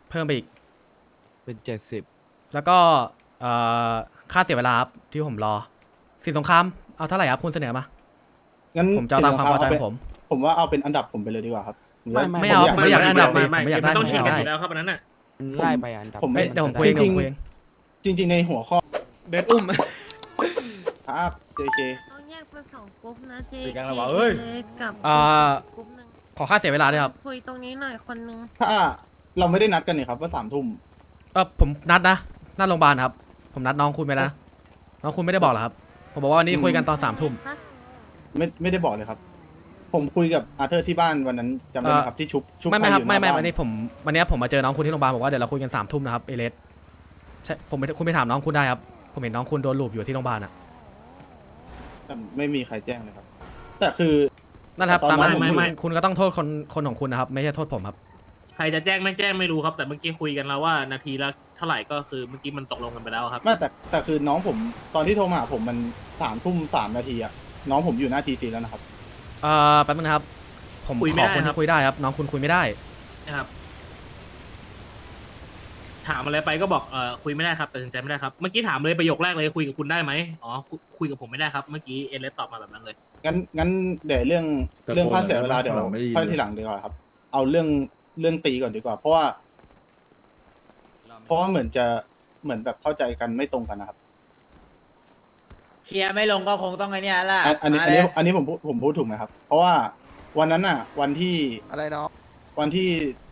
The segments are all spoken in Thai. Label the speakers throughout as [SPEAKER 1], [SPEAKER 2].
[SPEAKER 1] เพิ่มไปอีก
[SPEAKER 2] เป็น70
[SPEAKER 1] แล้วก็เอ่อค่าเสียเวลาครับที่ผมรอสินสงครามเอาเท่าไหร่ครับคุณเสนอมา
[SPEAKER 3] งั้น
[SPEAKER 1] ผมจะเอาตามความพอใจของผม
[SPEAKER 3] ผมว่าเอาเป็นอันดับผมไปเลยดีกว่าครับ
[SPEAKER 1] ไม่เอา
[SPEAKER 3] ผ
[SPEAKER 1] ผมไม่อยากได้อันดับ
[SPEAKER 4] ไม่
[SPEAKER 1] ผมไม่อยากได้
[SPEAKER 4] ต้องชิงกัน
[SPEAKER 1] ผม
[SPEAKER 4] อ
[SPEAKER 1] อยากได้
[SPEAKER 4] ยู่แล้วครับอันนั้นน่ะ
[SPEAKER 2] มันไล่ไปอันดับ
[SPEAKER 3] ผมไม่
[SPEAKER 1] เดี๋ยวผมคุยเองเดี๋ยวผมคุยเอง
[SPEAKER 3] จริง ๆในหัวข้อ
[SPEAKER 1] เดินอุ้ม
[SPEAKER 3] ครับ JK
[SPEAKER 5] ต้องแยกเป็นสองกลุ่มนะเจ
[SPEAKER 6] คุยกันแล้วว่าเอ้ย
[SPEAKER 5] กับ
[SPEAKER 1] อ่า
[SPEAKER 5] กลุ่มหนึ่ง
[SPEAKER 1] ขอค่าเสียเวลาด้วยครับ
[SPEAKER 5] คุยตรงนี้หน่อยคนนึง
[SPEAKER 3] ถ้าเราไม่ได้นัดกันนี่ครับว่า3 ทุ่ม
[SPEAKER 1] ผมนัดนะนัดโรงพยาบาลครับผมนัดน้องคุณไปแล้วนะน้องคุณไม่ได้บอกเหรอครับผมบอกว่าวันนี้คุยกันตอน3 ทุ่ม
[SPEAKER 5] คะ
[SPEAKER 3] ไม่ได้บอกเลยครับ ผมคุยกับอาเธอร์ที่บ้านวันนั้นจำได้ไหมครับที่ชุบ
[SPEAKER 1] ไม่ครับ
[SPEAKER 3] ใครอยู่ห
[SPEAKER 1] ไม่
[SPEAKER 3] น้าบ้าน
[SPEAKER 1] วันนี้วันนี้ผมมาเจอน้องคุณที่โรงพยาบาลบอกว่าเดี๋ยวเราคุยกัน3 ทุ่มนะครับเอเลสใช่คุณไปถามน้องคุณได้ครับผมเห็นน้องคุณโดนลูบอยู่ที่โรงพยาบาลอ่ะ
[SPEAKER 3] แต่ไม่มีใครแจ้งเลยครับ แต่คือ
[SPEAKER 1] นั่นแหละครับ
[SPEAKER 3] ตอน
[SPEAKER 1] ตาม
[SPEAKER 3] นั้
[SPEAKER 1] นั้น
[SPEAKER 3] น
[SPEAKER 1] คุณก็ต้องโทษคนของคุณนะครับไม่ใช่โทษผมครับ
[SPEAKER 4] ใครจะแจ้งไม่แจ้งไม่รู้ครับ แต่เมื่อกี้คุยกันแล้วว่านาทีละเท่าไหร่ก็คือเมื่อกี้มันตกลงกันไปแล้วครับ
[SPEAKER 3] ไม่แต่คือน้องผมตอนที่โทรมาหาผมมัน3 ทุ่ม 3 นาทีอะน้องผมอยู่หน้าทีซีแล้วนะครับ
[SPEAKER 1] แป๊บนึงนะครับผม
[SPEAKER 4] คุย
[SPEAKER 1] ข
[SPEAKER 4] ไม่
[SPEAKER 1] อ
[SPEAKER 4] ได้
[SPEAKER 1] คน
[SPEAKER 4] ครั
[SPEAKER 1] ที่
[SPEAKER 4] บ
[SPEAKER 1] คุยได้ครับน้องคุณคุยไม่ได้
[SPEAKER 4] นะครับ ถามอะไรไปก็บอกคุยไม่ได้ครับตัดสินใจไม่ได้ครับเมื่อกี้ถามเลยประโยคแรกเลยคุยกับคุณได้ไหมอ๋อคุยกับผมไม่ได้ครับเมื่อกี้เอเลสตอบมาแบบนั้นเลย
[SPEAKER 3] งั้นเดี๋ยวเรื่องค่าเสียเวลาเดี๋ยวค่อยทีหลังดีกว่าครับ เอาเรื่องตีก่อนดีกว่า เพราะว่าเหมือนแบบเข้าใจกันไม่ตรงกันนะครับ
[SPEAKER 6] เคลียร์ไม่ลงก็คงต้องไอ้เนี่ยแหละ
[SPEAKER 3] อันนี้ผมพูดถูกไหมครับ เพราะว่าวันนั้นอะวันที่
[SPEAKER 2] อะไรเนาะ
[SPEAKER 3] วันที่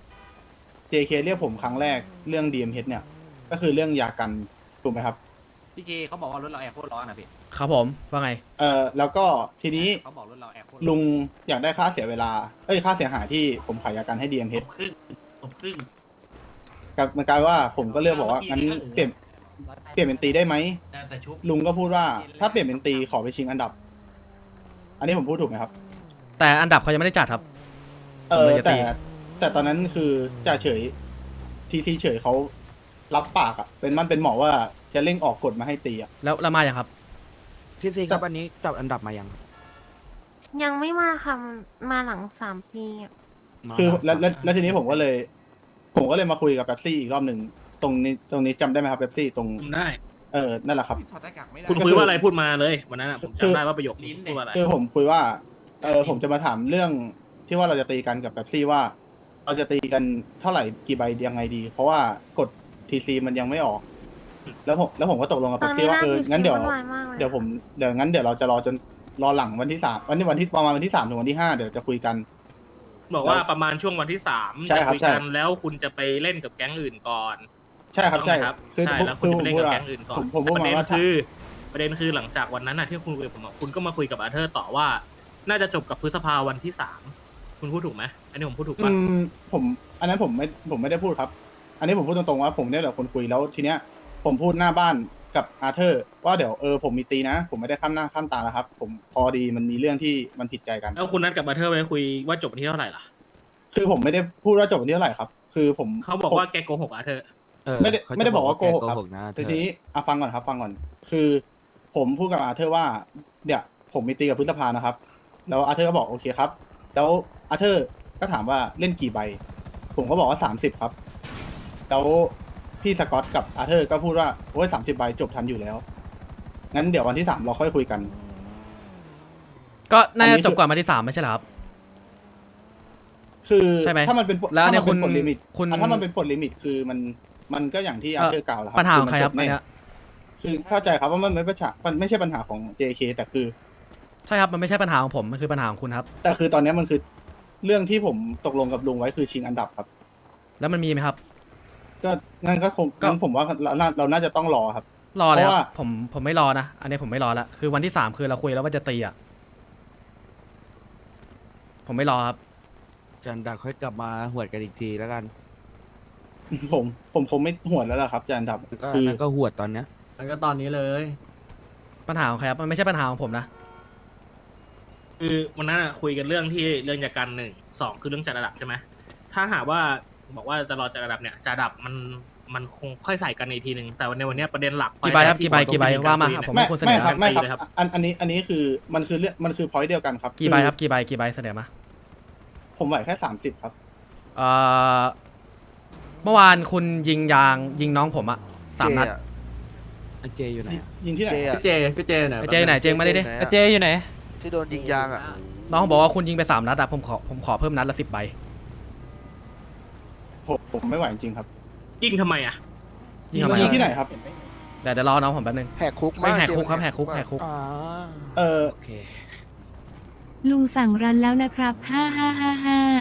[SPEAKER 3] JK เรียกผมครั้งแรกเรื่อง DMH เนี่ย ก็คือเรื่องยากันถูกไหมครับ
[SPEAKER 7] พี่เจเขาบอกว่ารถเราแอร์โคตรร้อนนะพี่
[SPEAKER 1] ครับผมว่าไง
[SPEAKER 3] แล้วก็ทีนี้
[SPEAKER 7] เขาบอกรถเราแอร์โคตร
[SPEAKER 3] ลุงอยากได้ค่าเสียเวลาค่าเสียหายที่ผมขายยากันให้ DMH
[SPEAKER 4] ผมครึ่ง
[SPEAKER 3] กับมันกลายว่าผมก็เลือกบอกว่างั้นเปลี่ยนเป็นตีได้ไหม
[SPEAKER 7] แต่ชุบ
[SPEAKER 3] ลุงก็พูดว่าถ้าเปลี่ยนเป็นตีขอไปชิงอันดับ อันนี้ผมพูดถูกไหมครับ
[SPEAKER 1] แต่อันดับเขายังไม่ได้จัดครับ ผมเลยจะตี
[SPEAKER 3] แต่ตอนนั้นคือจ่าเฉยทีซีเฉยเขารับปากอะเป็นหมอว่าจะเร่งออกกฎมาให้ตีอะ
[SPEAKER 1] แล้วมาอย่างครับ
[SPEAKER 2] ที่ซีครับอันนี้จับอันดับมายัง
[SPEAKER 5] ยังไม่มาค่ะมาหลัง3 ปีอะ
[SPEAKER 3] คือแล้วทีนี้ผมก็เลยมาคุยกับเป๊ปซี่อีกรอบหนึ่งตรงนี้จำได้ไหมครับเป๊ปซี่ตรง
[SPEAKER 4] ผมได้
[SPEAKER 3] นั่นแหละครับ
[SPEAKER 7] ถอดหน้ากากไม่ได้
[SPEAKER 4] คุณคุยว่าอะไรพูดมาเลยวันนั้นผมจำได้ว่าประโยคนี้พูดว่าอะไร
[SPEAKER 3] คือผมคุยว่าผมจะมาถามเรื่องที่ว่าเราจะตีกันกับเป๊ปซี่ว่า เราจะตีกันเท่าไหร่กี่ใบยังไงดี เพราะว่ากฎทีซีมันยังไม่ออก แล้วผมก็ตกลงกับ
[SPEAKER 5] ตอ
[SPEAKER 3] เป๊
[SPEAKER 5] น
[SPEAKER 3] ป
[SPEAKER 5] นี้
[SPEAKER 3] ซี่
[SPEAKER 5] ห
[SPEAKER 3] ว่า
[SPEAKER 5] น้าที
[SPEAKER 3] งั้น
[SPEAKER 5] ซี
[SPEAKER 3] เดี๋ยว
[SPEAKER 5] วุ่นวายมากเลย
[SPEAKER 3] เดี๋ยวเราจะรอจนรอหลังวันที่3วันที่ประมาณวันที่3 ถึงวันที่ 5เดี๋ยวจะคุยกัน
[SPEAKER 4] บอกว่าประมาณช่วงวันที่3
[SPEAKER 3] ใช่
[SPEAKER 4] จะ
[SPEAKER 3] ครับ
[SPEAKER 4] คุย
[SPEAKER 3] ใช่
[SPEAKER 4] กันแล้วคุณจะไปเล่นกับแก๊งอื่นก่อน
[SPEAKER 3] ใช่ครับใช่
[SPEAKER 4] ถูกไหมครับ
[SPEAKER 3] คือ
[SPEAKER 4] ใช่แล้ว
[SPEAKER 3] คื
[SPEAKER 4] คุณ
[SPEAKER 3] อ
[SPEAKER 4] จะ
[SPEAKER 3] ผม
[SPEAKER 4] ไปเล่น
[SPEAKER 3] พูดว่า
[SPEAKER 4] กับแก๊งอื่นก่อน
[SPEAKER 3] ผมพูด
[SPEAKER 4] แต่
[SPEAKER 3] มาว่า
[SPEAKER 4] ประเด็นคือหลังจากวันนั้นน่ะที่คุณคุยกับผมอะคุณก็มาคุยกับอาเธอร์ต่อว่า น่าจะจบกับพฤษภาวันที่3คุณพูดถูกไหมอันนี้ผมพูดถูกปะ
[SPEAKER 3] ผมอันนั้นผมไม่ได้พูดครับ อันนี้ผมพูดตรงๆว่าผมเนี่ยแหละคนคุยแล้วทีเนี้ยผมพูดหน้าบ้านกับอาเธอร์ว่าเดี๋ยวผมมีตีนะ ผมไม่ได้ข้ามหน้าข้ามตาแล้วครับ ผมพอดีมันมีเรื่องที่มันผิดใจกัน
[SPEAKER 4] แล้วคุณนัดกับอาเธอร์ไปคุยว่าจบวันที่เท่าไหร่ล่ะ
[SPEAKER 3] คือผมไม่ได้พูดว่าจบวันที่เท่าไหร่ครับ คือผม
[SPEAKER 4] เขาบอกว่าแกโกหกอาเธอร์
[SPEAKER 3] ไม่ได้บอกว่าโกหกครับ
[SPEAKER 2] นะเธ
[SPEAKER 3] ที
[SPEAKER 2] อ
[SPEAKER 3] นี้ฟังก่อนครับฟังก่อน คือผมพูดกับอาเธอร์ว่าเดี๋ยวผมมีตีกับพฤษภานะครับ แล้วอาเธอร์ก็บอกโอเคครับ แล้วอาเธอร์ก็ถามว่าเล่นกี่ใบ ผมก็บอกว่า30ครับ แล้วพี่สกอตกับอาเธอร์ก็พูดว่าโอ้ย30 ใบจบทันอยู่แล้ว งั้นเดี๋ยววันที่3เราค่อยคุยกัน
[SPEAKER 1] ก็น่าจะจบก่อนมาที่3ไม่ใช่เหรอครับ
[SPEAKER 3] คือ
[SPEAKER 1] ใช่ไหม
[SPEAKER 3] ถ้ามันเป็น
[SPEAKER 1] แล้วเนี่ย
[SPEAKER 3] ถ้ามันเป็นปลดลิมิต
[SPEAKER 1] คุณ
[SPEAKER 3] ถ้ามันเป็นปลดลิมิตคือมันก็อย่างที่อาเธอร์กล่าวแล้วครั
[SPEAKER 1] ปัญหาของใครครับ
[SPEAKER 3] มัน
[SPEAKER 1] อัน
[SPEAKER 3] จ
[SPEAKER 1] เนี้ย
[SPEAKER 3] คือเข้าใจครับว่ามันไม่ใช่ปัญหาของ JK แต่คือ
[SPEAKER 1] ใช่ครับมันไม่ใช่ปัญหาของผมมันคือปัญหาของคุณครับ
[SPEAKER 3] แต่คือตอนนี้มันคือเรื่องที่ผมตกลงกับลุงไว้คือชิงอันดับครับ
[SPEAKER 1] แล้วมันมีไหมครับ
[SPEAKER 3] ก็งั้นก็คง
[SPEAKER 1] ก็
[SPEAKER 3] งั้นผมว่าเราน่าจะต้องรอครับ
[SPEAKER 1] รอเลยค
[SPEAKER 3] เพราะ
[SPEAKER 1] รับ
[SPEAKER 3] ว่า
[SPEAKER 1] ผมไม่รอนะอันนี้ผมไม่รอละคือวันที่3คือเราคุยแล้วว่าจะตีอ่ะผมไม่รอครับ
[SPEAKER 2] จันดักค่อยกลับมาหวดกันอีกทีแล้วกัน
[SPEAKER 3] ผมคงไม่หวนแล้วล่ะครับจะอันดับ
[SPEAKER 2] ก็
[SPEAKER 3] คือ
[SPEAKER 2] นั่นก็หวดตอนเนี้ย
[SPEAKER 6] มันก็ตอนนี้เลย
[SPEAKER 1] ปัญหาของใครครับมันไม่ใช่ปัญหาของผมนะ
[SPEAKER 4] คือวันนั้นอะคุยกันเรื่องที่เรื่องยากัน1 2คือเรื่องจัดระดับใช่ไหมถ้าหากว่าบอกว่าจะรอจัดระดับเนี่ยจัดระดับมันคงค่อยใส่กันในทีนึงแต่ในวันเนี้ยประเด็นหลัก
[SPEAKER 1] กี่ใบครับกี่ใบว่ามาผม
[SPEAKER 3] ไม่
[SPEAKER 1] เป็นคนเสน
[SPEAKER 3] ไม่
[SPEAKER 1] อ
[SPEAKER 3] ครับไม่ครับ
[SPEAKER 4] เลยครับ
[SPEAKER 3] อันนี้คือมันคือเรื่องมันคือพอยต์เดียวกันครับ
[SPEAKER 1] กี่ใบครับ
[SPEAKER 3] อ
[SPEAKER 1] กี่ใบเสนอมา
[SPEAKER 3] ผมไหวแค่30ครับ
[SPEAKER 1] เอ่อเมื่อวานคุณยิงยางยิงน้องผมอะ3 นัด
[SPEAKER 2] ไอ้เจอยู่ไหนอะ
[SPEAKER 3] ยิงที่ไหน
[SPEAKER 8] เจ
[SPEAKER 3] ครับ
[SPEAKER 8] พี่เจไหน
[SPEAKER 1] ไอ้เจไหนเจงมาดิดิ
[SPEAKER 8] เจอยู่ไหน
[SPEAKER 9] ที่โดนยิงยางอ่ะ
[SPEAKER 1] น้องบอกว่าคุณยิงไป3 นัดอะผมขอเพิ่มนัดละ10 ใบ
[SPEAKER 3] ผมไม่ไหวจริงๆครับ
[SPEAKER 4] ยิงทำไมอ่ะ
[SPEAKER 1] ยิงทำไม
[SPEAKER 3] ยิง
[SPEAKER 1] อะ
[SPEAKER 3] ที่ไหนครับ
[SPEAKER 1] เดี๋ยวรอน้องผมแป๊บนึง
[SPEAKER 9] แหกคุก
[SPEAKER 1] ไม่แหกคุกครับ
[SPEAKER 9] เจมส์
[SPEAKER 1] แหกคุกแหกคุก
[SPEAKER 2] อ๋อ
[SPEAKER 3] เออ
[SPEAKER 2] โอเค
[SPEAKER 10] ลุงสั่งรันแล้วนะครับ5555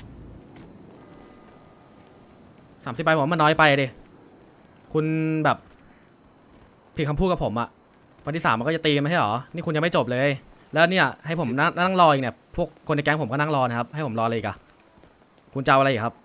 [SPEAKER 1] 30 ใบผมว่ามันน้อยไปดิคุณแบบผิดคำพูดกับผมอะวันที่ 3มันก็จะตีกันไม่ใช่หรอนี่คุณยังไม่จบเลย แล้วเนี่ยให้ผมนั่งรออีกเนี่ยพวกคนในแก๊งผมก็นั่งรอนะครับให้ผมรอเลยอีกอะคุณจะเอาอะไรอีกครับ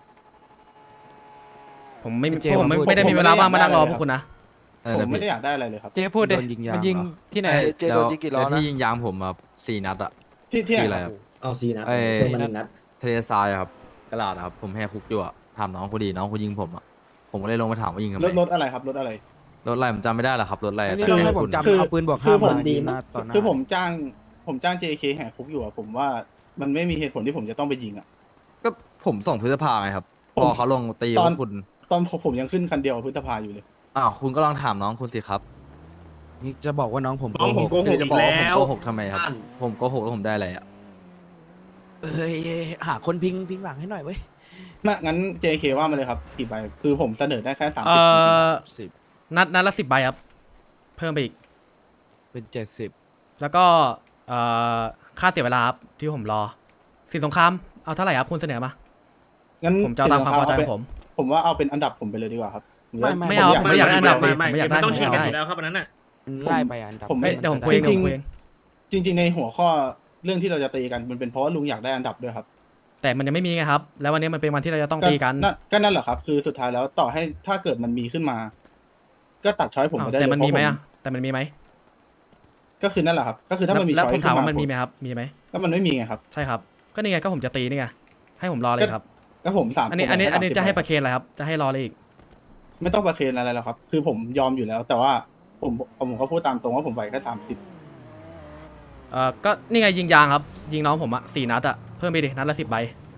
[SPEAKER 1] ผมไม่
[SPEAKER 2] เจ
[SPEAKER 1] พวกผม
[SPEAKER 2] มาพูด
[SPEAKER 1] ไม่ได้มีเวลาว่างมานั่งรอพวกคุณนะ
[SPEAKER 3] ผมไม่ได้อยากได้อะไรเลยครับ
[SPEAKER 8] เจพูดดิ
[SPEAKER 2] โดนยิงยาง
[SPEAKER 8] มันยิง
[SPEAKER 2] เหรอ
[SPEAKER 8] ที่ไหน
[SPEAKER 9] เจโดนยิงกี่ล้อนะ
[SPEAKER 11] ที่ยิงยางผมแบบ4 นัดอะ
[SPEAKER 3] ที่ไหน
[SPEAKER 11] อะไร
[SPEAKER 3] ครับ
[SPEAKER 11] ครับ
[SPEAKER 6] เอาซีนะ
[SPEAKER 11] เอ้ย
[SPEAKER 6] เพิ่มมา1 นัด
[SPEAKER 11] ทะเลทรายอะครับกระดาษอะครับผมแหกคุกอยู่อะถามน้องพอดีน้องคนยิงผมอะผมก็เลยลงไปถามว่ายิงทำไม
[SPEAKER 3] รถอะไรครับรถอะไร
[SPEAKER 11] รถอะไรผมจำไม่ได้หรอกครับรถอะไร
[SPEAKER 2] อันนี้
[SPEAKER 11] แต่
[SPEAKER 2] ต้องให้
[SPEAKER 11] คุ
[SPEAKER 2] ผม
[SPEAKER 11] ณ
[SPEAKER 2] จำ
[SPEAKER 3] คือ
[SPEAKER 2] เอาปืนบวก
[SPEAKER 3] คือ
[SPEAKER 2] 5
[SPEAKER 3] ผม
[SPEAKER 2] มาดีนะต่อหน้า
[SPEAKER 3] คือผมจ้าง JK แหกคุกอยู่อะผมว่ามันไม่มีเหตุผลที่ผมจะต้องไปยิงอะ
[SPEAKER 11] ก็ผมส่งพฤษภาไงครับ
[SPEAKER 3] ผม
[SPEAKER 11] พอเขาลงตี
[SPEAKER 3] ตอน
[SPEAKER 11] ว่าคุณ
[SPEAKER 3] ตอนผมยังขึ้นคันเดียวกับพฤษภาอยู่เลย
[SPEAKER 11] อ้าวคุณก็ลองถามน้องคุณสิครับ
[SPEAKER 2] นี่จะบอกว่าน้องผม
[SPEAKER 4] น้องผม
[SPEAKER 2] โก
[SPEAKER 4] โก
[SPEAKER 2] หก
[SPEAKER 4] หก
[SPEAKER 11] จะ
[SPEAKER 4] อี
[SPEAKER 11] บอก
[SPEAKER 4] ก
[SPEAKER 11] ว่าผม
[SPEAKER 4] แล้ว
[SPEAKER 11] โกหกทำไมครับ ผมโกหกแล้วผมได้อะไรอะ
[SPEAKER 2] เอ้ยหาคนพิงหลังให้หน่อยเว้ย
[SPEAKER 3] น่ะงั้น JK ว่ามาเลยครับกี่ใบคือผมเสนอได้แค่30
[SPEAKER 2] 10
[SPEAKER 1] นัดละ10 ใบครับเพิ่มไปอีก
[SPEAKER 2] เป็น70
[SPEAKER 1] แล้วก็ค่าเสียเวลาครับที่ผมรอสินสงครามเอาเท่าไหร่ครับคุณเสนอมา
[SPEAKER 3] งั้น
[SPEAKER 1] ผมจะเอาตามความพอใจของผม
[SPEAKER 3] ผมว่าเอาเป็นอันดับผมไปเลยดีกว่าครับ
[SPEAKER 1] ไม่เอาผมไม่อยากได้อันดับ
[SPEAKER 4] ไม่
[SPEAKER 1] อยากได้
[SPEAKER 4] มันต้องฉีกกัน
[SPEAKER 1] ผม
[SPEAKER 4] อ
[SPEAKER 1] อยากได้
[SPEAKER 4] ยู่แล้วครับอันนั้นน่ะ
[SPEAKER 2] มันไล่ไปอันดับ
[SPEAKER 3] ผม
[SPEAKER 1] เอ้ยเดี๋ยวผมคุยเองเดี๋ยวผมคุยเอง
[SPEAKER 3] จริง ๆ ในหัวข้อเรื่องที่เราจะตีกันมันเป็นเพราะว่าลุงอยากได้อันดับด้วยครับ
[SPEAKER 1] แต่มันยังไม่มีไงครับ แล้ววันนี้มันเป็นวันที่เราจะต้องตีกัน
[SPEAKER 3] ก็นั่นแหละครับ คือสุดท้ายแล้วต่อให้ถ้าเกิดมันมีขึ้นมา ก็ตัดช้อยผม
[SPEAKER 1] อ้าว
[SPEAKER 3] ไปได้เลย
[SPEAKER 1] แต่มันมีไหม
[SPEAKER 3] เพ
[SPEAKER 1] อะ
[SPEAKER 3] ราะ
[SPEAKER 1] แต่มันมีไหม
[SPEAKER 3] ก็คือนั่นแหละครับ ก็คือถ้ามันมี
[SPEAKER 1] แล้ว
[SPEAKER 3] ช้อย
[SPEAKER 1] ผมถามว่า
[SPEAKER 3] ขึ้
[SPEAKER 1] มันมีไหมครับมีไหม
[SPEAKER 3] ก็มันไม่มีไงครับ
[SPEAKER 1] ใช่ครับก็นี่ไงก็ผมจะตีนี่ไงให้ผมรอเลยครับ
[SPEAKER 3] ก็ผม3
[SPEAKER 1] อันนี้จะให้ประเคนอะไรครับจะให้รอเลยอีก
[SPEAKER 3] ไม่ต้องประเคนอะไรหรอกครับ คือผมยอมอยู่แล้ว แต่ว่าผมก็พูดตามตรงว่าผมไหวแค่30
[SPEAKER 1] ก็นี่ไงยิงยางครับยิงน้องผมอะ4 นัดอะเพิ่มไปดินัดละ10 ใบ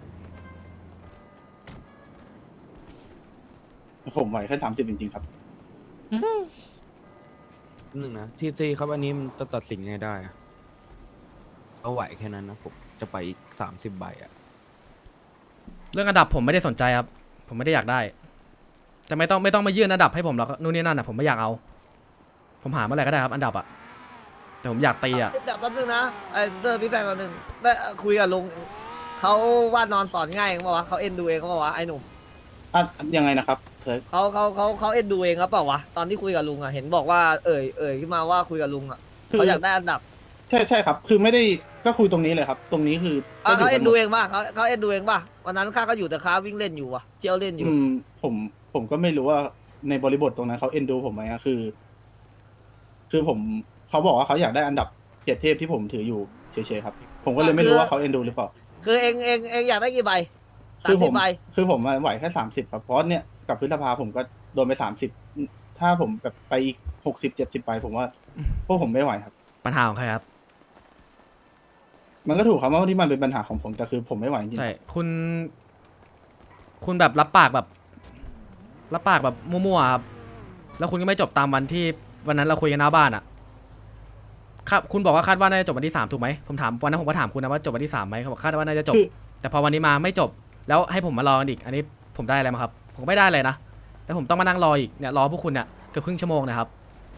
[SPEAKER 3] ผมไหวแค่30จริงๆครับ
[SPEAKER 2] หนึ่งนะทีซีครับอันนี้มันจะตัดสินไงได้อะเอาไหวแค่นั้นนะผมจะไปอีก30 ใบอะ
[SPEAKER 1] เรื่องอันดับผมไม่ได้สนใจครับผมไม่ได้อยากได้ แต่ไม่ต้องมายื่นอันดับให้ผมหรอกนู่นนี่นั่นอะผมไม่อยากเอา ผมหาเมื่อไหร่ก็ได้ครับอันดับอะแต่ผมอยากตีอะ
[SPEAKER 6] เดี๋ยวแป๊บนึงนะไอ้เตอร์พี่แฟนคนหนึ่งได้คุยกับลุงเขาว่านอนสอนง่ายเขาบอกว่าเขาเอ็นดูเองเขาบอกว่าไอ้หนุ่ม
[SPEAKER 3] ยังไงนะครับเซิร์ช
[SPEAKER 6] เขาเอ็นดูเองครับเปล่าวะตอนที่คุยกับลุงอ่ะเห็นบอกว่าเอ่ยขึ้นมาว่าคุยกับลุงอ่ะเขาอยากได้อันดับ
[SPEAKER 3] ใช่ครับ คือไม่ได้ก็คุยตรงนี้เลยครับ ตรงนี้คือก็ยู่
[SPEAKER 6] เขา
[SPEAKER 3] กั
[SPEAKER 6] เอ็น
[SPEAKER 3] หม
[SPEAKER 6] ดูเองป่ะเขาเอ็นดูเองป่ะวันนั้นข้าก็อยู่แต่ค้าวิ่งเล่นอยู่ว่ะเที่ยวเล่นอยู่
[SPEAKER 3] ผมก็ไม่รู้ว่าในบริบทตรงนั้นเขาเอ็นดูผมไหมอะคือผมเขาบอกว่าเขาอยากได้อันดับ7 เทพที่ผมถืออยู่เฉยๆครับ ผมก็เลยไม่รู้ว่าเขาเอ็นดูหรือเปล่า
[SPEAKER 6] คือเองอยากได้กี่ใบ
[SPEAKER 3] คือผม
[SPEAKER 6] 30 ใบ
[SPEAKER 3] คือผมไหวแค่30ครับเพราะเนี่ยกับพฤษภาผมก็โดนไป30ถ้าผมแบบไปอีก60-70 ไปผมว่าพวกผมไม่ไหวครับ
[SPEAKER 1] ปัญหาของใครครับ
[SPEAKER 3] มันก็ถูกครับว่าที่มันเป็นปัญหาของผมแต่คือผมไม่ไหวจริง
[SPEAKER 1] ใช่คุณแบบรับปากแบบมั่วๆครับแล้วคุณก็ไม่จบตามวันที่วันนั้นเราคุยกันหน้าบ้านอะครับคุณบอกว่าคาดว่าน่าจะจบวันที่3ถูกไหมผมถามวันนั้นผมก็ถามคุณนะว่าจบวันที่3ไหมเขาบอกคาดว่าน่าจะจบ
[SPEAKER 3] คือ
[SPEAKER 1] แต่พอวันนี้มาไม่จบแล้วให้ผมมารอกันอีกอันนี้ผมได้อะไรมาครับผมไม่ได้เลยนะแล้วผมต้องมานั่งรออีกเนี่ยรอพวกคุณเนี่ยเกือบครึ่งชั่วโมงนะครับ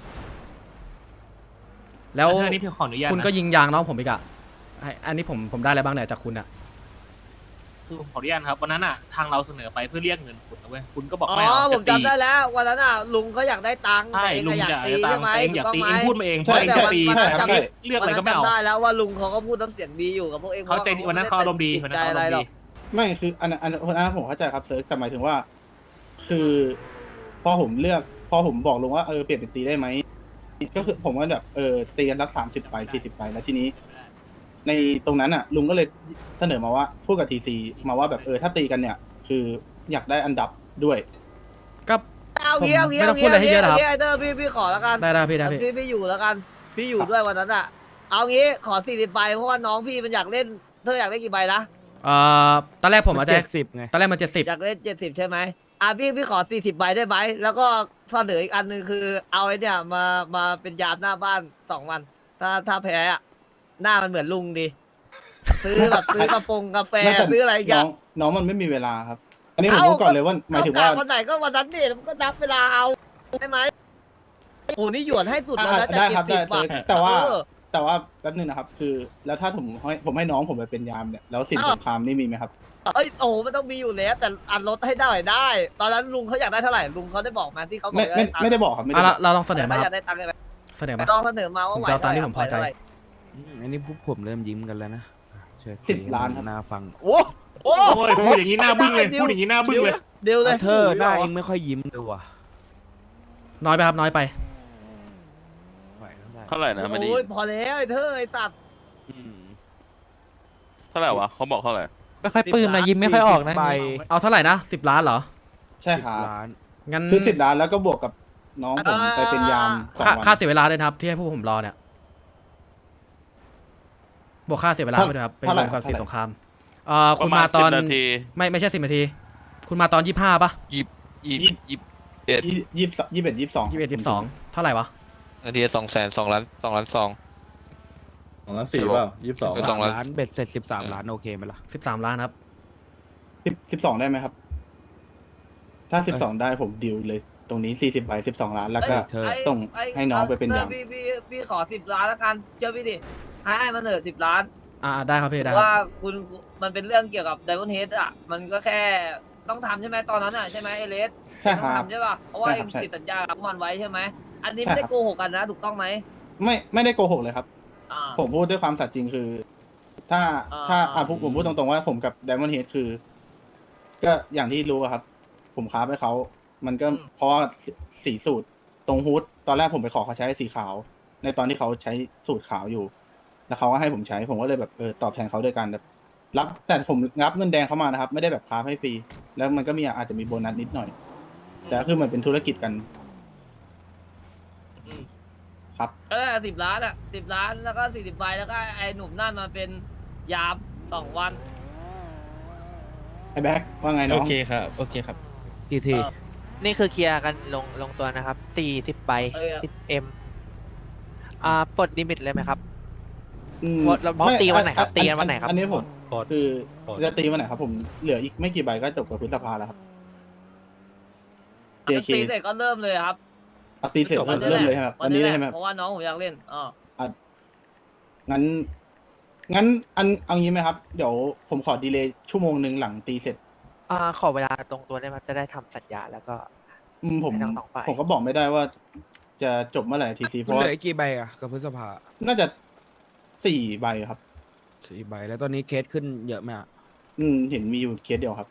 [SPEAKER 1] แล้ว
[SPEAKER 4] เรื่องนี้พี่ขออนุญาต
[SPEAKER 1] คุณ
[SPEAKER 4] นะ
[SPEAKER 1] ก็ยิงยางน้องผมอีกอะอันนี้ผมได้อะไรบ้างเนี่ยจากคุณอะ
[SPEAKER 4] คือผมขออนุญาตครับวันนั้นอ่ะทางเราเสนอไปเพื่อเรียกเงินคุณนะเว้ยคุณก็บอก
[SPEAKER 6] อ๋
[SPEAKER 4] ไม่เอา
[SPEAKER 6] อผ
[SPEAKER 4] จะ
[SPEAKER 6] ม
[SPEAKER 4] ตี
[SPEAKER 6] จำได้แล้ววันนั้นอ่ะลุงเขาอยากได้ตังค์
[SPEAKER 4] ใช่
[SPEAKER 6] แต่เอง
[SPEAKER 4] ลุ
[SPEAKER 6] ก็
[SPEAKER 4] ง
[SPEAKER 6] อยาก
[SPEAKER 4] อยาก
[SPEAKER 6] ตี
[SPEAKER 4] ได้ตัง
[SPEAKER 6] ใช่
[SPEAKER 4] ค์
[SPEAKER 6] ไหม
[SPEAKER 4] แต่เองอยาก
[SPEAKER 6] ถู
[SPEAKER 4] ตี
[SPEAKER 6] กต้
[SPEAKER 4] เอง
[SPEAKER 6] ไหม
[SPEAKER 4] พูดมาเอง
[SPEAKER 3] ใช่
[SPEAKER 4] ว่าเองจะตี
[SPEAKER 3] ใช่ครับ
[SPEAKER 4] เลือกอะไรก็ไม่
[SPEAKER 6] วันนั้น
[SPEAKER 4] เอา
[SPEAKER 6] จำได้แล้วว่าลุงเขาก็พูดน้ำเสียงดีอยู่กับพวกเอง
[SPEAKER 4] เขาใจวันนั้นเขาอารมณ์ดี
[SPEAKER 6] ติ
[SPEAKER 4] วัน
[SPEAKER 6] ใจ
[SPEAKER 4] นั้นเขา
[SPEAKER 6] อะไร
[SPEAKER 4] อารมณ์
[SPEAKER 6] หร
[SPEAKER 4] ดี
[SPEAKER 6] อก
[SPEAKER 3] ไม่คืออันนั้นผมเข้าใจครับเซิร์ชแต่หมายถึงว่า คือพอผมบอกลุงว่าเปลี่ยนเป็นตีได้ไหมก็คือผมก็แบบตีกันสัก30 ไป40 ไปแล้วทีนี้ ในตรงนั้นอ่ะ ลุงก็เลยเสนอมาว่าพูดกับทีซีมาว่าแบบถ้าตีกันเนี่ย คืออยากได้อันดับด้วย
[SPEAKER 1] ก็
[SPEAKER 6] เอางี้เอางี้
[SPEAKER 1] ไม่ต้
[SPEAKER 6] เอา
[SPEAKER 1] องพู
[SPEAKER 6] งี้
[SPEAKER 1] ดอะไรให้เยอะหรอกครับ
[SPEAKER 6] ไอเตอร์พี่ขอแล้วกัน
[SPEAKER 1] ได้พี่ได้พี่
[SPEAKER 6] พี่อยู่แล้วกัน พี่อยู่ด้วยวันนั้นอ่ะ เอางี้ขอ40 ใบเพราะว่าน้องพี่มันอยากเล่นเธออยากได้กี่ใบนะ
[SPEAKER 1] ตอนแรกผมอาจจะ
[SPEAKER 2] 70ไง
[SPEAKER 1] ตอนแรกมัน70
[SPEAKER 6] อยากเล่น70ใช่ไหมพี่ขอ40 ใบได้ไหมแล้วก็เสนออีกอันหนึ่งคือ เอาไอ้เนี่ยมาเป็นยามหน้าบ้าน2 วันถ้าแพ้อะหน้ามันเหมือนลุงดีซื้อแบบซื้อกาแฟ
[SPEAKER 3] ไม่แต่
[SPEAKER 6] ซื้ออะไรอย่าง
[SPEAKER 3] น้
[SPEAKER 6] เงี้
[SPEAKER 3] อย งน้องมันไม่มีเวลาครับ อันนี้ผมพูดก่อนเลยว่าหมายถึงว่า
[SPEAKER 6] เขกะวันไหนก็วันนั้นนี่มันก็นับเวลาเอาได้ไหมโอ้นี่หยวนให้สุดแล้วนะ
[SPEAKER 3] ได้ครับได้
[SPEAKER 6] 70 บาท
[SPEAKER 3] แต่ว่า
[SPEAKER 6] เออ
[SPEAKER 3] แต่ว่าแป๊บนึงนะครับ คือแล้วถ้าผมให้น้องผมไปเป็นยามเนี่ยแล้วสินสงครามนี่มีไหมครับ
[SPEAKER 6] เอ้ยโอ้มันต้องมีอยู่แล้วแต่อันลดให้ได้ได้ ตอนนั้นลุงเขาอยากได้เท่าไหร่ลุงเขาได้บอกมาที่เขาบอก
[SPEAKER 3] ไม่ได้บอกครับไม่
[SPEAKER 1] อ่ะ
[SPEAKER 3] ได้
[SPEAKER 1] เราลองเสนอ
[SPEAKER 6] เขา
[SPEAKER 1] มาค
[SPEAKER 6] อ
[SPEAKER 1] รั
[SPEAKER 6] ยาก
[SPEAKER 1] บ
[SPEAKER 6] ได้ตังค์ใช่ไหม
[SPEAKER 1] เสนอมา
[SPEAKER 6] ลองเสนอมาว่า
[SPEAKER 1] ผม
[SPEAKER 6] ไหว
[SPEAKER 1] จะเอาตามที่ผมพอใจ
[SPEAKER 6] ไหว
[SPEAKER 2] อันนี้พวกผมเริ่มยิ้มกันแล้วนะช่วยคุย
[SPEAKER 3] 10 ล้านครับ
[SPEAKER 2] น่าฟัง
[SPEAKER 6] โอ้โห
[SPEAKER 4] โอ้ยพูดอย่างนี้หน้าบึ้งเลยพูดอย่างนี้หน้าบึ้งเลย
[SPEAKER 6] เดี๋ยวเลย
[SPEAKER 2] เธอหน้าเองไม่ค่อยยิ้มเลยว่ะ
[SPEAKER 1] น้อยไปครับน้อยไป
[SPEAKER 2] ไหวเท่าไหร่
[SPEAKER 8] เท่าไหร่นะไม่ดี
[SPEAKER 6] โอ้ยพอแล้วไอ้เธอไอ้ตัด
[SPEAKER 2] อืม
[SPEAKER 8] เท่าไหร่วะเขาบอกเท่าไหร่
[SPEAKER 6] ไม่ค่อยปลื้มนะยิ้มไม่ค่อยออกนะ
[SPEAKER 2] ใบ
[SPEAKER 1] เอาเท่าไหร่นะ10 ล้านเหรอ
[SPEAKER 3] ใช่ครับ
[SPEAKER 2] ล้าน
[SPEAKER 1] งั้น
[SPEAKER 3] คือ10 ล้านแล้วก็บวกกับน้องผมไปเป็นยาม2
[SPEAKER 1] ค่า
[SPEAKER 3] วัน
[SPEAKER 1] ค่าเสียเวลาด้วยนะครับ ที่ให้พวกผมรอเนี่ยบวกค่าเสียเวลาไปด้วยครับเป็นรวมกับสินสงครามคุณมาตอน
[SPEAKER 8] ประณ10 นาที
[SPEAKER 1] ไม่ใช่10 นาที คุณมาตอน25ป่ะ
[SPEAKER 3] 21 22
[SPEAKER 1] 21 22เท่าไหร่วะ
[SPEAKER 8] นาที200,000 2 ล้าน 2 ล้าน 2
[SPEAKER 9] 2 ล้าน 4เปล่า22
[SPEAKER 8] 2 ล้าน
[SPEAKER 2] ล้านเบ็ดเสร็จ13 ล้านโอเคไหมล่ะ
[SPEAKER 1] 13 ล้านครับ
[SPEAKER 3] 12ได้ไหมครับ ถ้า12ได้ผมดิวเลยตรงนี้40 ใบ 12 ล้านแล้วก็
[SPEAKER 2] เธอ
[SPEAKER 3] ส่งให้น้องไปเป็นยาม
[SPEAKER 6] พี่ขอ10 ล้านแล้วกันเชื่อพี่ดิให้มันเถอะ10 ล้าน
[SPEAKER 1] ได้ครับพี่ได้
[SPEAKER 6] เพ
[SPEAKER 1] ค
[SPEAKER 6] ราะ
[SPEAKER 1] รับ
[SPEAKER 6] ว่าคุณมันเป็นเรื่องเกี่ยวกับไดมอนด์เฮดอ่ะมันก็แค่ต้องทำใช่ไหมตอนนั้นอ่ะใช่ไหมเอเลส
[SPEAKER 3] ใช่
[SPEAKER 6] ต้
[SPEAKER 3] ค
[SPEAKER 6] อง
[SPEAKER 3] รับ
[SPEAKER 6] ทำใช่ป่ะเพราะว่า
[SPEAKER 3] ใช่
[SPEAKER 6] เอ
[SPEAKER 3] ครั
[SPEAKER 6] ง
[SPEAKER 3] บใช่
[SPEAKER 6] ติดสัญญากับมันไว้ใช่ไหมอันนี้
[SPEAKER 3] ใช่
[SPEAKER 6] ไม่ได้
[SPEAKER 3] ครับ
[SPEAKER 6] โกหกกันนะถูกต้องไหม
[SPEAKER 3] ไม่ได้โกหกเลยครับ
[SPEAKER 6] อ่า
[SPEAKER 3] ผมพูดด้วยความสัตย์จริงคือ ถ้า
[SPEAKER 6] อ่า
[SPEAKER 3] ผมพูดตรงๆว่าผมกับ Diamond Head คือ ก็อย่างที่รู้อะครับ ผมค้าไปเขามันก็เพราะว่าสีสูตรตรงฮูดตอนแรกผมไปขอเขาใช้สีขาว ในตอนที่เขาใช้สูตรขาวอยู่ แล้วเขาก็ให้ผมใช้ ผมก็เลยแบบตอบแทนเขาด้วยการแบบรับแต่ผมรับเงินแดงเขามานะครับ ไม่ได้แบบค้าให้ฟรีแล้วมันก็มีอาจจะมีโบนัสนิดหน่อย แต่ก็คือมันเป็นธุรกิจกัน
[SPEAKER 6] อืม
[SPEAKER 3] ครับ
[SPEAKER 6] 10 ล้านอ่ะ10 ล้านแล้วก็40 ใบแล้วก็ไอ้หนุ่มนั่นมาเป็นยาม2 วัน
[SPEAKER 3] ไอ้แบ็คว่าไงน้อง
[SPEAKER 9] โอเคครับ โอเคครับ
[SPEAKER 2] กี่ที
[SPEAKER 12] นี่คือเคลียร์กันลงตัวนะครับ40 ใบ 10M ปลดลิมิตเลยไหมครับ
[SPEAKER 3] อืม
[SPEAKER 12] เราตีวันไหนครับตีกันวันไหนครับ
[SPEAKER 3] อันนี้ผม
[SPEAKER 9] ปลด
[SPEAKER 3] คือ
[SPEAKER 9] ปลด
[SPEAKER 3] จะตีวันไหนครับ ผมเหลืออีกไม่กี่ใบก็จบกับพฤษภาแล้วครับ
[SPEAKER 6] ตี
[SPEAKER 3] JK
[SPEAKER 6] เสร็จก็เริ่มเลยครับ
[SPEAKER 3] เอาตีเสร็จ
[SPEAKER 9] จบวั
[SPEAKER 3] เริ่มเลยใช่ไหมครับวันนี้เลยใช่ไหมครับ
[SPEAKER 6] เพราะว่าน้องผมอยากเล่น
[SPEAKER 3] งั้นเอางี้ไหมครับ เดี๋ยวผมขอดีเลย์ชั่วโมงหนึ่งหลังตีเสร็จ
[SPEAKER 12] ขอเวลาตรงตัวได้ไหมจะได้ทำสัญญาแล้วก็
[SPEAKER 3] ผม
[SPEAKER 12] ให้ทั้งสองฝ่าย
[SPEAKER 3] ผมก็บอกไม่ได้ว่า จะจบเมื่อไหร่ทีซีเพ
[SPEAKER 2] มัน
[SPEAKER 3] ราะ
[SPEAKER 2] เห
[SPEAKER 3] ว่า
[SPEAKER 2] ลืออีกกี่ใบอ่ะกับพฤษภา
[SPEAKER 3] น่าจะ4 ใบครับ
[SPEAKER 2] 4 ใบแล้วตอนนี้เคสขึ้นเยอะไหมอ่ะ
[SPEAKER 3] เห็นมีอยู่เคสเดียวครับ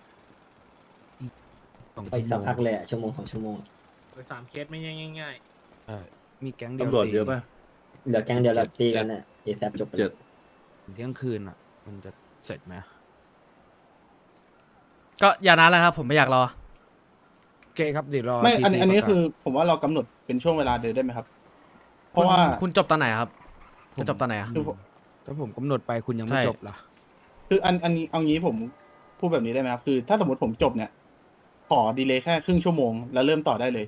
[SPEAKER 2] 2 ชั่วโมง
[SPEAKER 9] ชั่วโมง2 ชั่วโมง
[SPEAKER 4] 3 เคสไม่ง่าย
[SPEAKER 2] มีแก๊งเดียว
[SPEAKER 9] ตำรวจเยอะป่ะ
[SPEAKER 11] เหลือแก๊งเดียวเราตีกัน
[SPEAKER 9] เนี่ย
[SPEAKER 11] เอแซจบ
[SPEAKER 2] เที่ยงคืนอ่ะ มันจะเสร็จไหม
[SPEAKER 1] ก็อย่านานแล้วครับ ผมไม่อยากรอ
[SPEAKER 2] โอเคครับเดี๋ยวรอ
[SPEAKER 3] ไม่
[SPEAKER 2] TC
[SPEAKER 3] อันนี้
[SPEAKER 2] ประกาศ
[SPEAKER 3] คือ ผมว่าเรากำหนดเป็นช่วงเวลาเดินได้ไหมครับ เพราะว่า
[SPEAKER 1] คุณจบตอนไหนครับ จะจบตอนไหนอะ
[SPEAKER 3] คือผม
[SPEAKER 2] ถ้าผมกำหนดไปคุณยังไม่
[SPEAKER 1] ใช่
[SPEAKER 2] จบล่ะ
[SPEAKER 3] คืออันนี้เอางี้ผมพูดแบบนี้ได้ไหมครับ คือถ้าสมมติผมจบเนี่ย ขอดีเลย์แค่ครึ่งชั่วโมงแล้วเริ่มต่อได้เลย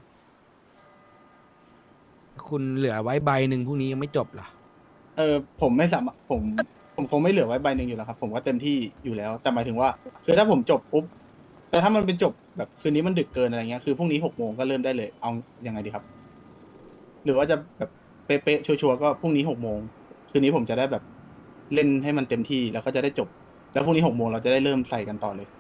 [SPEAKER 2] คุณเหลือไว้ใบหนึ่งพรุ่งนี้ยังไม่จบล่ะ
[SPEAKER 3] ผมไม่สามารถผมคงไม่เหลือไว้ใบหนึ่งอยู่แล้วครับ ผมว่าเต็มที่อยู่แล้ว แต่หมายถึงว่า คือถ้าผมจบปุ๊บแต่ถ้ามันเป็นจบแบบคืนนี้มันดึกเกินอะไรเงี้ยคือพรุ่งนี้6 โมงก็เริ่มได้เลย เอายังไงดีครับ หรือว่าจะแบบเป๊ะๆชัวร์ๆก็พรุ่งนี้6 โมงคืนนี้ผมจะได้แบบเล่นให้มันเต็มที่แล้วก็จะได้จบ แล้วพรุ่งนี้6 โมงเราจะได้เริ่มใส่กันต่อเลย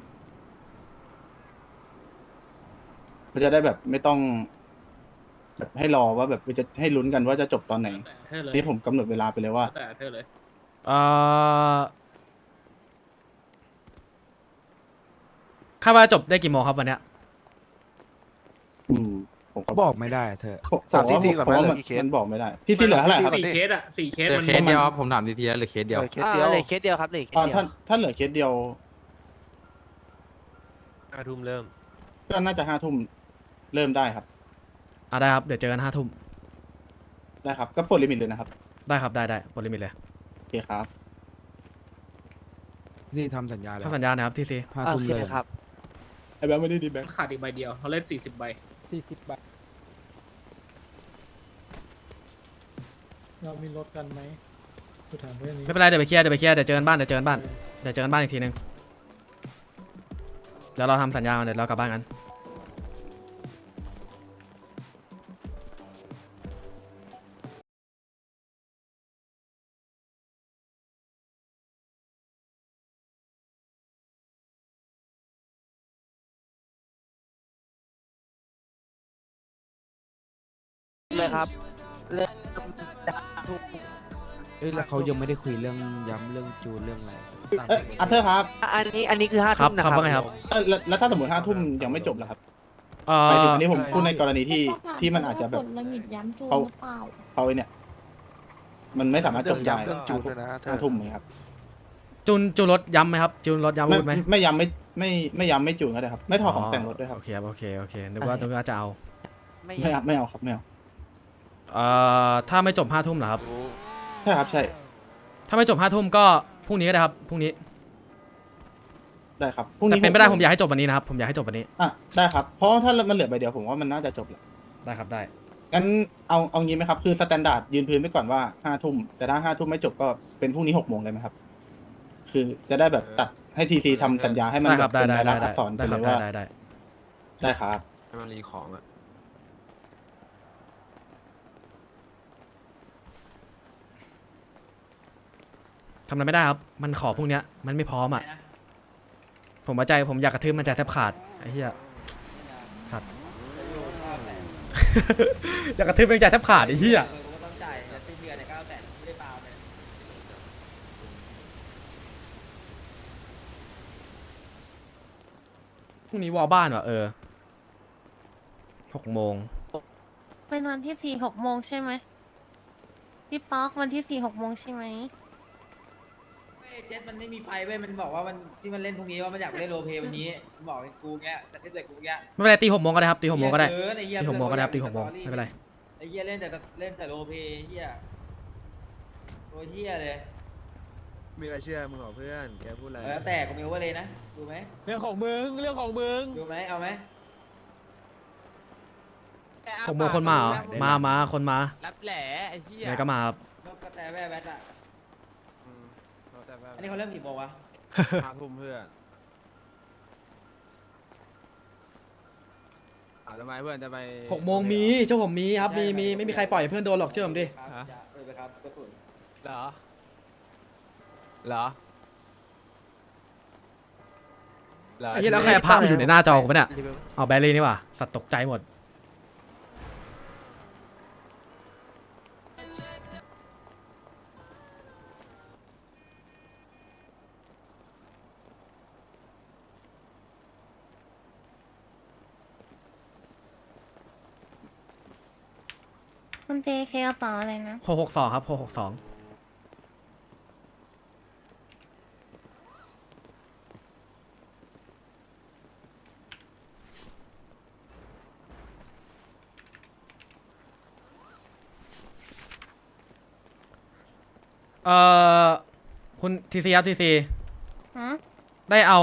[SPEAKER 3] เราจะได้แบบไม่ต้องแบบให้รอว่าแบบจะให้ลุ้นกันว่าจะจบตอนไหน
[SPEAKER 4] ๆแต่เธอเลย
[SPEAKER 3] นี่ผมกำหนดเวลาไปเลยว่า
[SPEAKER 4] แต่เธอเลย
[SPEAKER 1] คาดว่าจบได้กี่โมงครับวันเนี้ย
[SPEAKER 3] ผมก็
[SPEAKER 2] บอกไม่ได้เธอ
[SPEAKER 9] ถาม TC ก่อนไหม
[SPEAKER 3] ผว่า
[SPEAKER 9] เหลือกี่เคส
[SPEAKER 3] มันบอกไม่ได้พี่ซีเหลือเท่าไหร่ครับ
[SPEAKER 4] 4 เคสอะ4 เคส
[SPEAKER 11] เหลือ
[SPEAKER 4] มัน
[SPEAKER 11] เคสเดียวครับผมถามทีทีแล้วเหลือเคสเดียว
[SPEAKER 9] เคสเดียว
[SPEAKER 12] เหลือเคสเดียวครับเหลือเคสเดียว
[SPEAKER 3] ถ้าเหลือเคสเดียว
[SPEAKER 12] 5 ทุ่มเริ่ม
[SPEAKER 3] ก็น่าจะ5 ทุ่มเริ่มได้ครับ
[SPEAKER 1] ได้ครับ เดี๋ยวเจอกัน5 ทุ่ม
[SPEAKER 3] ได้ครับ ก็ปลดลิมิตเลยนะครับ
[SPEAKER 1] ได้ครับ ได้ปลดลิมิตเลย
[SPEAKER 3] โอเคครับ
[SPEAKER 2] ที่ทำสัญญาแล้ว
[SPEAKER 1] ถ้าสัญญานะครับทีซี
[SPEAKER 2] ห้า
[SPEAKER 12] โอ
[SPEAKER 2] ทุ่ม
[SPEAKER 12] เค
[SPEAKER 2] เลย
[SPEAKER 12] ครับ
[SPEAKER 3] อ้แบงค์ไม่ได้ดีแบงค์
[SPEAKER 4] ขาดอีกใบเดียวเราเล่น40 ใบ
[SPEAKER 3] 40 บาทเรามีรถกันไหมกูถามเรื่องนี้
[SPEAKER 1] ไม่เป็นไรเดี๋ยวไปเคลียร์เดี๋ยวเจอกันบ้านเดี๋ยวเจอกันบ้านอีกทีนึงเดี๋ยวเราทำสัญญากันเดี๋ยวเรากลับบ้านกัน
[SPEAKER 12] เลยครับเรื่อง
[SPEAKER 2] เอ้ยแล้วเขายังไม่ได้คุยเรื่องย้ำเรื่องจูนเรื่องอะไร
[SPEAKER 3] อาร์เธอร์ครับ
[SPEAKER 12] อันนี้คือ5
[SPEAKER 1] ครับ
[SPEAKER 12] ทุ่มนะ
[SPEAKER 1] ค
[SPEAKER 12] ค
[SPEAKER 1] รั
[SPEAKER 12] รั
[SPEAKER 1] บบ ว่าไงครับ
[SPEAKER 3] แล้วถ้าสมมติ5 ทุ่มยังไม่จบล่ะครับ
[SPEAKER 1] เอ่
[SPEAKER 3] หมายถึง
[SPEAKER 1] อ
[SPEAKER 3] อันนี้ผมพูดในกรณีที่มันอาจจะแบบ
[SPEAKER 5] ลิมิตย้ำจูน
[SPEAKER 3] เขา
[SPEAKER 5] หรือเปล่า
[SPEAKER 3] เขาไอ้เนี่ย มันไม่สามารถจบได้
[SPEAKER 9] เรื่องจูนด้วยนะ
[SPEAKER 3] 5 ทุ่มไหมครับ
[SPEAKER 1] จูนรถย้ำไหมครับจูนรถย้ำอาวุธไหม
[SPEAKER 3] ไม่ย้ำไม่ย้ำไม่จูนก็ได้ครับ ไม่ถอดของแต่งรถด้วยครับ
[SPEAKER 1] โอเคครับโอเคนึกว่าจะเอา
[SPEAKER 3] ไม่เอาครับไม่เอา
[SPEAKER 1] ถ้าไม่จบ5 ทุ่มเหรอครับ
[SPEAKER 3] ใช่ครับใช่
[SPEAKER 1] ถ้าไม่จบ5 ทุ่มก็พรุ่งนี้ก็ได้ครับพรุ่งนี้
[SPEAKER 3] ได้ครับพรุ่ง
[SPEAKER 1] แต่
[SPEAKER 3] นี้
[SPEAKER 1] เป็นไปได้ผมอยากให้จบวันนี้นะครับผมอยากให้จบวันนี้
[SPEAKER 3] อ่ะได้ครับเพราะถ้ามันเหลือใบเดียวผมว่ามันน่าจะจบแหละ
[SPEAKER 1] ได้ครับได้
[SPEAKER 3] งั้นเอางี้ไหมครับคือสแตนดาร์ดยืนพื้นไปก่อนว่า5 ทุ่มแต่ถ้า5 ทุ่มไม่จบก็เป็นพรุ่งนี้6 โมงเลยไหมครับ คือจะได้แบบตัดให้ทีซีทำสัญญาให้มัน
[SPEAKER 1] ได้
[SPEAKER 3] แบ
[SPEAKER 1] ครับ บได้
[SPEAKER 3] เป็น
[SPEAKER 1] ได้
[SPEAKER 3] ราย
[SPEAKER 1] ได้
[SPEAKER 3] ลักษณ์อักษรไป
[SPEAKER 1] ได้
[SPEAKER 3] เล
[SPEAKER 1] ครับ
[SPEAKER 3] ยว่า
[SPEAKER 1] ได้
[SPEAKER 3] ได้ครับ
[SPEAKER 2] ให้มันรีของอ่ะ
[SPEAKER 1] ทำอะไรไม่ได้ครับมันขอพรุ่งเนี้ยมันไม่พร้อมอ่ะผมอยากกระทืบมันใจแทบขาดไอ้เหี้ยสัตว์ อยากกระทืบมันใจแทบขาดไอ้เหี้ย
[SPEAKER 6] ต้องจ่ายสิ้นเดือนเนี่ย900,000ไม่ได้เปล่าเลย
[SPEAKER 1] พรุ่งนี้วอลบ้านว่ะ6 โมง
[SPEAKER 5] เป็นวันที่ 4 6 โมงใช่ไหมพี่ป๊อกวันที่ 4 6 โมงใช่ไหม
[SPEAKER 6] เจ็ตมันไม่มีไฟเว้ยมันบอกว่ามันที่มันเล่นพรุ่งนี้ว่ามันอยากเล่นโรลเพลย์วันนี้มันบอกกูเงี้ยแต่ที่เด็กกูเงี้ย
[SPEAKER 1] ไม่เป็นไรตี 6 โมงก็ได้ครับตี 6 โมงก็ได้
[SPEAKER 6] เออไอ้เหี้ย
[SPEAKER 1] ตี 6 โมงก็ได้ครับตี 6 โมงไม่เป็นไร
[SPEAKER 6] ไอ้เหี้ยเล่นแต่โรลเพลย์เหี้ยโรเหี้ยเลย
[SPEAKER 9] มีใครเชื่อมึงหรอเพื่อน แกพูดอะไร
[SPEAKER 6] แล้วแต่กูมีโอเวอร์เลยนะดูไหม
[SPEAKER 9] เรื่องของมึง
[SPEAKER 6] ดูไหมเอาไหม
[SPEAKER 1] 6 โมงคนมาเหรอมาคนมา
[SPEAKER 12] รับแหล่ไอ้เหี้ย
[SPEAKER 1] ไหนก็มาครับ
[SPEAKER 6] นกกระแตแว่แวดอ่ะอันนี้เขาเริ่มกี่โมงวะ
[SPEAKER 2] 5 ทุ่มเพื่อนทำไมเพื่อนจะไป
[SPEAKER 1] 6 โมงมีเจ้าผมมีครับมีไม่มีใครปล่อยเพื่อนโดนหรอกเชื่อผมดิ
[SPEAKER 6] ไปครับกระสุน
[SPEAKER 2] เหรอ
[SPEAKER 1] ไอ้เหี้ยแล้วใครเอาภาพมาอยู่ในหน้าจอกูปะเนี่ยเอาแบลลี่นี่ว่ะสัตว์ตกใจหมด
[SPEAKER 5] คุณเจเคกระเป๋าอะไรนะ
[SPEAKER 1] 662ครับ662คุณทีซีครับทีซี
[SPEAKER 5] ฮะ
[SPEAKER 1] ได้เอา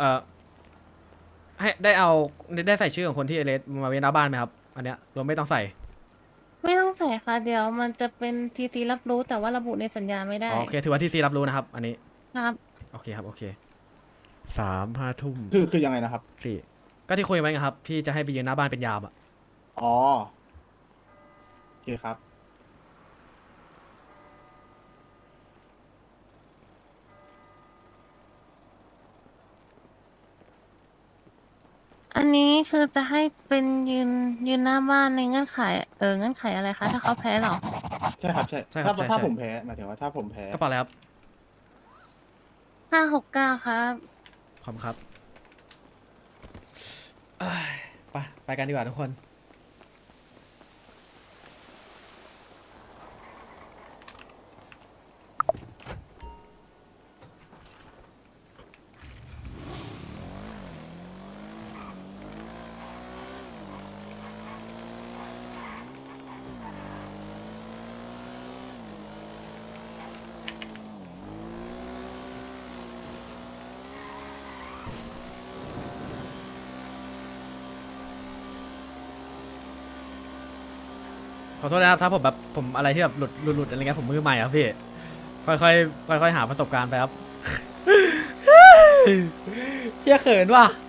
[SPEAKER 1] ให้ได้ใส่ชื่อของคนที่เอเลสมาเว้นหน้าบ้านไหมครับอันเนี้ยรวมไม่ต้องใส่
[SPEAKER 5] ไม่ต้องใส่ค่ะเดี๋ยวมันจะเป็นทีซีรับรู้แต่ว่าระบุในสัญญาไม่ได้
[SPEAKER 1] โอเคถือว่าทีซีรับรู้นะครับอันนี้
[SPEAKER 5] ครับ
[SPEAKER 1] โอเคครับโอเค5 ทุ่ม
[SPEAKER 3] คือยังไงนะครับ
[SPEAKER 1] 4ก็ที่คุยไว้ไงครับที่จะให้ไปยืนหน้าบ้านเป็นยามอ่ะ
[SPEAKER 3] อ๋อโอเคครับ
[SPEAKER 5] อันนี้คือจะให้เป็นยืนหน้าบ้านในเงื่อนไขเงื่อนไขอะไรคะถ้าเขาแพ้เหรอ
[SPEAKER 3] ใช่ครับใช่
[SPEAKER 1] ใช่ครับ
[SPEAKER 3] ถ้า
[SPEAKER 1] ใช่
[SPEAKER 3] ผมแพ้หมายถึงว่าถ้าผมแพ้
[SPEAKER 1] กระเป๋าอะไรครับ
[SPEAKER 5] 569ครับ
[SPEAKER 1] ขอบคุณครับเอ้ยไปกันดีกว่าทุกคนขอโทษนะครับถ้าผมแบบผมอะไรที่แบบหลุดอะไรเงี้ยผมมือใหม่ครับพี่ค่อยๆหาประสบการณ์ไปครับ เฮียเขินว่ะ